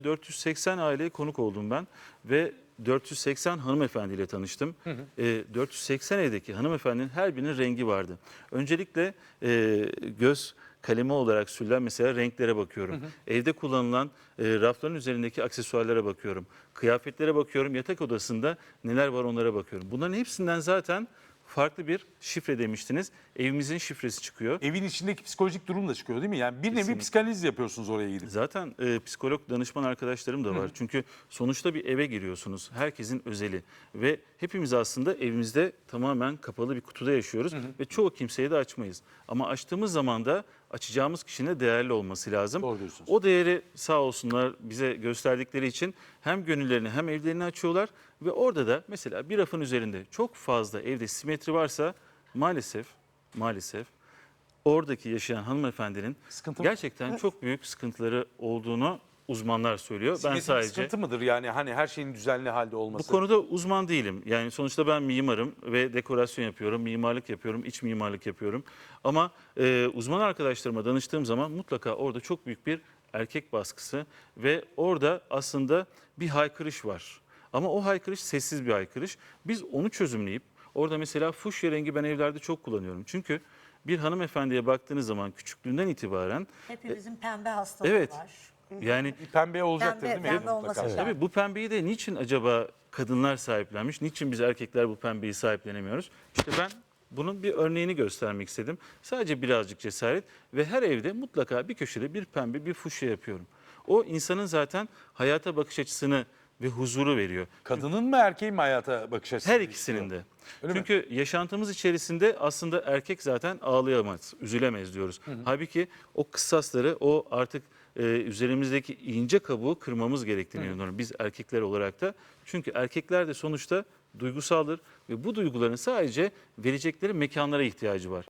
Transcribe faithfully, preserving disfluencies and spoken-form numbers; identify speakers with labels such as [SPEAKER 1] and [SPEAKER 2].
[SPEAKER 1] dört yüz seksen aileye konuk oldum ben ve dört yüz seksen hanımefendiyle tanıştım. Hı hı. E, dört yüz seksen evdeki hanımefendinin her birinin rengi vardı. Öncelikle e, göz kalemi olarak sürülen mesela renklere bakıyorum. Hı hı. Evde kullanılan e, rafların üzerindeki aksesuarlara bakıyorum. Kıyafetlere bakıyorum. Yatak odasında neler var onlara bakıyorum. Bunların hepsinden zaten farklı bir şifre demiştiniz. Evimizin şifresi çıkıyor.
[SPEAKER 2] Evin içindeki psikolojik durum da çıkıyor değil mi? Yani bir
[SPEAKER 1] Kesinlikle.
[SPEAKER 2] nevi psikanaliz yapıyorsunuz oraya gidip.
[SPEAKER 1] Zaten e, psikolog danışman arkadaşlarım da var. Hı hı. Çünkü sonuçta bir eve giriyorsunuz. Herkesin özeli ve hepimiz aslında evimizde tamamen kapalı bir kutuda yaşıyoruz. Hı hı. Ve çoğu kimseye de açmayız. Ama açtığımız zaman da açacağımız kişinin değerli olması lazım.
[SPEAKER 2] Doğru diyorsunuz.
[SPEAKER 1] O değeri sağ olsunlar bize gösterdikleri için hem gönüllerini hem evlerini açıyorlar. Ve orada da mesela bir rafın üzerinde çok fazla evde simetri varsa maalesef maalesef oradaki yaşayan hanımefendinin
[SPEAKER 2] Sıkıntı
[SPEAKER 1] gerçekten çok büyük sıkıntıları olduğunu uzmanlar söylüyor. Ben
[SPEAKER 2] Simetrik
[SPEAKER 1] sadece
[SPEAKER 2] sıkıntı mıdır yani hani her şeyin düzenli halde
[SPEAKER 1] bu
[SPEAKER 2] olması?
[SPEAKER 1] konuda uzman değilim. Yani sonuçta ben mimarım ve dekorasyon yapıyorum, mimarlık yapıyorum, iç mimarlık yapıyorum. Ama e, uzman arkadaşlarıma danıştığım zaman mutlaka orada çok büyük bir erkek baskısı ve orada aslında bir haykırış var. Ama o haykırış sessiz bir haykırış. Biz onu çözümleyip orada mesela fuşya rengi ben evlerde çok kullanıyorum. Çünkü bir hanımefendiye baktığınız zaman küçüklüğünden itibaren
[SPEAKER 3] Hepimizin pembe hastalığı
[SPEAKER 1] Evet.
[SPEAKER 3] var.
[SPEAKER 1] yani
[SPEAKER 2] Bir pembe olacaktır
[SPEAKER 3] Pembe-
[SPEAKER 2] değil mi?
[SPEAKER 3] pembe olması
[SPEAKER 2] Mutlaka.
[SPEAKER 3] şart.
[SPEAKER 1] tabii bu pembeyi de niçin acaba kadınlar sahiplenmiş? Niçin biz erkekler bu pembeyi sahiplenemiyoruz? İşte ben bunun bir örneğini göstermek istedim. Sadece birazcık cesaret ve her evde mutlaka bir köşede bir pembe, bir fuşya yapıyorum. O insanın zaten hayata bakış açısını ve huzuru veriyor.
[SPEAKER 2] Kadının mı erkeğin mi hayata bakış açısı?
[SPEAKER 1] Her ikisinin de.
[SPEAKER 2] Öyle mi?
[SPEAKER 1] Çünkü yaşantımız içerisinde aslında erkek zaten ağlayamaz, üzülemez diyoruz. Hı hı. Halbuki o kıssasları, o artık e, üzerimizdeki ince kabuğu kırmamız gerektiğini inanıyorum biz erkekler olarak da. Çünkü erkekler de sonuçta duygusaldır ve bu duyguların sadece verecekleri mekanlara ihtiyacı var.